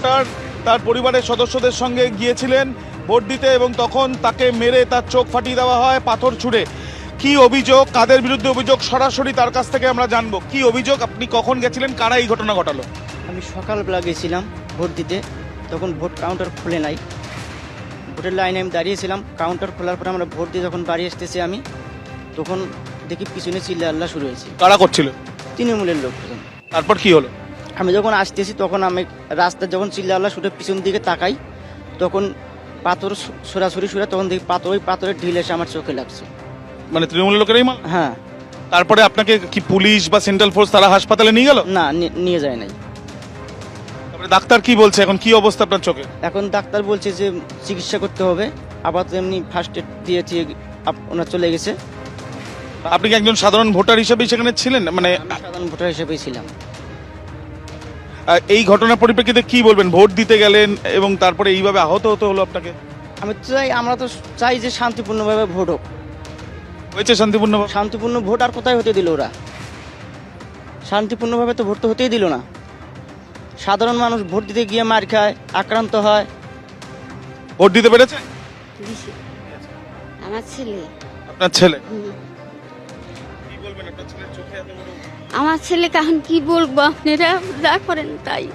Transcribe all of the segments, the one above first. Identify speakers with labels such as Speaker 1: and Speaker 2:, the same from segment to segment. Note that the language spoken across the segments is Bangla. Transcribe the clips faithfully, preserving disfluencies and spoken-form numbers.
Speaker 1: ভোটার তার পরিবারের সদস্যদের সঙ্গে গিয়েছিলেন ভোট দিতে এবং তখন তাকে মেরে তার চোখ ফাটিয়ে দেওয়া হয় পাথর ছুঁড়ে। কি অভিযোগ, কাদের বিরুদ্ধে অভিযোগ, সরাসরি তার কাছ থেকে আমরা জানবো। কি অভিযোগ, আপনি কখন গেছিলেন, কারা এই ঘটনা ঘটালো?
Speaker 2: আমি সকালবেলা গেছিলাম ভোট দিতে, তখন ভোট কাউন্টার খুলে নাই। ভোটের লাইনে আমি দাঁড়িয়েছিলাম, কাউন্টার খোলার পরে আমরা ভোট দিয়ে যখন বাড়ি আসতেছি আমি, তখন দেখি পিছনে চিল্লা আল্লাহ শুরু হয়েছে।
Speaker 1: কারা করছিল?
Speaker 2: তৃণমূলের লোকজন।
Speaker 1: তারপর কি হলো?
Speaker 2: আমি যখন আসতেছি তখন আমি রাস্তায় যখন চিল্লা আল্লাহ শুরু পিছন দিকে তাকাই, তখন পাথর সরাসরি শুরু, তখন দেখি পাথর, ওই পাথরের ঢিল এসে আমার চোখে লাগছে।
Speaker 1: মানে তৃণমূলের লোকেরাই মাল?
Speaker 2: হ্যাঁ।
Speaker 1: তারপরে আপনাকে কি পুলিশ বা সেন্ট্রাল ফোর্স তারা হাসপাতালে নিয়ে গেল?
Speaker 2: না, নি- নিয়ে যায় নাই।
Speaker 1: তারপরে ডাক্তার কি বলছে, এখন কি অবস্থা আপনার চোখে?
Speaker 2: এখন ডাক্তার বলছে যে চিকিৎসা করতে হবে, আপাতত এমনি ফার্স্ট এড দিয়েছি, আপ- ওনার চলে গেছে।
Speaker 1: আপনি কি একজন সাধারণ ভোটার হিসেবেই সেখানে ছিলেন? মানে
Speaker 2: আমি সাধারণ ভোটার হিসেবেই ছিলাম।
Speaker 1: আহ, এই ঘটনার পরিপ্রেক্ষিতে কি বলবেন? ভোট দিতে গেলেন এবং তারপরে এইভাবে আহত হতে হলো আপনাকে।
Speaker 2: আমি তো চাই, আমরা তো চাই যে শান্তিপূর্ণভাবে ভোট হোক।
Speaker 1: হয়েছে শান্তিপূর্ণ?
Speaker 2: শান্তিপূর্ণ ভোট আর কোথায় হতে দিল ওরা? শান্তিপূর্ণভাবে তো ভোট তো হতেই দিল না। সাধারণ মানুষ ভোট দিতে গিয়ে মার খায়, আক্রান্ত হয়।
Speaker 1: ভোট দিতে পেরেছে
Speaker 3: দিছি। আমার ছেলে
Speaker 1: আপনার ছেলে?
Speaker 3: হুম।
Speaker 1: কি বলবেন আপনার ছেলের চোখে এত বড়?
Speaker 3: আমার ছেলে কাহন কি বলবো, আপনারা যা করেন তাই।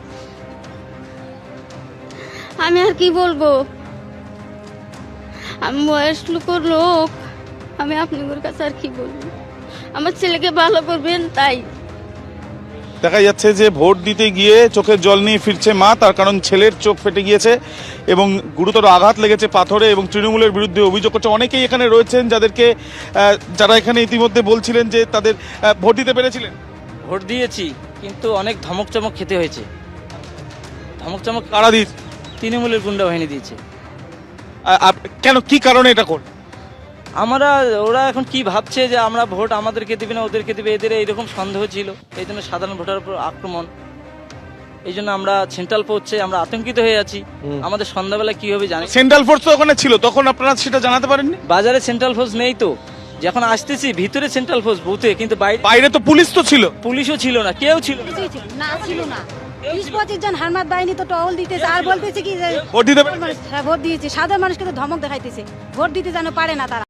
Speaker 3: আমি আর কি বলবো, আমি বয়স লোকের লোক, আমি আপনাদের কাছে আর কি বলবো। আমার ছেলেকে ভালো করবেন তাই।
Speaker 1: দেখা যাচ্ছে যে ভোট দিতে গিয়ে চোখের জল নিয়ে ফিরছে মা, তার কারণ ছেলের চোখ ফেটে গিয়েছে এবং গুরুতর আঘাত লেগেছে পাথরে, এবং তৃণমূলের বিরুদ্ধে অভিযোগ করছে। অনেকেই এখানে রয়েছেন যাদেরকে আহ, যারা এখানে ইতিমধ্যে বলছিলেন যে তাদের আহ, ভোট দিতে পেরেছিলেন।
Speaker 4: ভোট দিয়েছি, কিন্তু অনেক ধমক চমক খেতে হয়েছে। ধমক চমক
Speaker 1: কারা দিয়েছে?
Speaker 4: তৃণমূলের গুন্ডা বাহিনী দিয়েছে।
Speaker 1: আহ, আপ- কেন, কি কারণে এটা করল?
Speaker 4: আমরা, ওরা এখন কি ভাবছে যে আমরা ভোট আমাদেরকে দিবে না ওদেরকে দিবে, এদের এইরকম সন্দেহ ছিল, এই জন্য সাধারণ ভোটারের উপর আক্রমণ। এই জন্য আমরা সেন্ট্রাল পড়ছে, আমরা আতঙ্কিত হয়ে আছি। আমাদের সন্ধ্যাবেলা কি হবে জানি।
Speaker 1: সেন্ট্রাল ফোর্স তো ওখানে ছিল, তখন আপনারা সেটা জানাতে পারেননি?
Speaker 4: বাজারে সেন্ট্রাল ফোর্স নেই তো, যখন আসতেছি ভিতরে সেন্ট্রাল ফোর্স বুথে, কিন্তু বাইরে
Speaker 1: বাইরে তো পুলিশ তো ছিল।
Speaker 4: পুলিশও ছিল না, কেউ ছিল না।
Speaker 5: কিছুই ছিল না, ছিল না। বিশ পঁচিশ জন হারমাত বাহিনী তো টহল দিতেছে আর বলতেছে কি যে
Speaker 1: ভোট দিতে পেরেছে?
Speaker 5: হ্যাঁ, ভোট দিয়েছে। সাধারণ মানুষকে তো ধমক দেখাইতেছে, ভোট দিতে যেন পারে না তারা।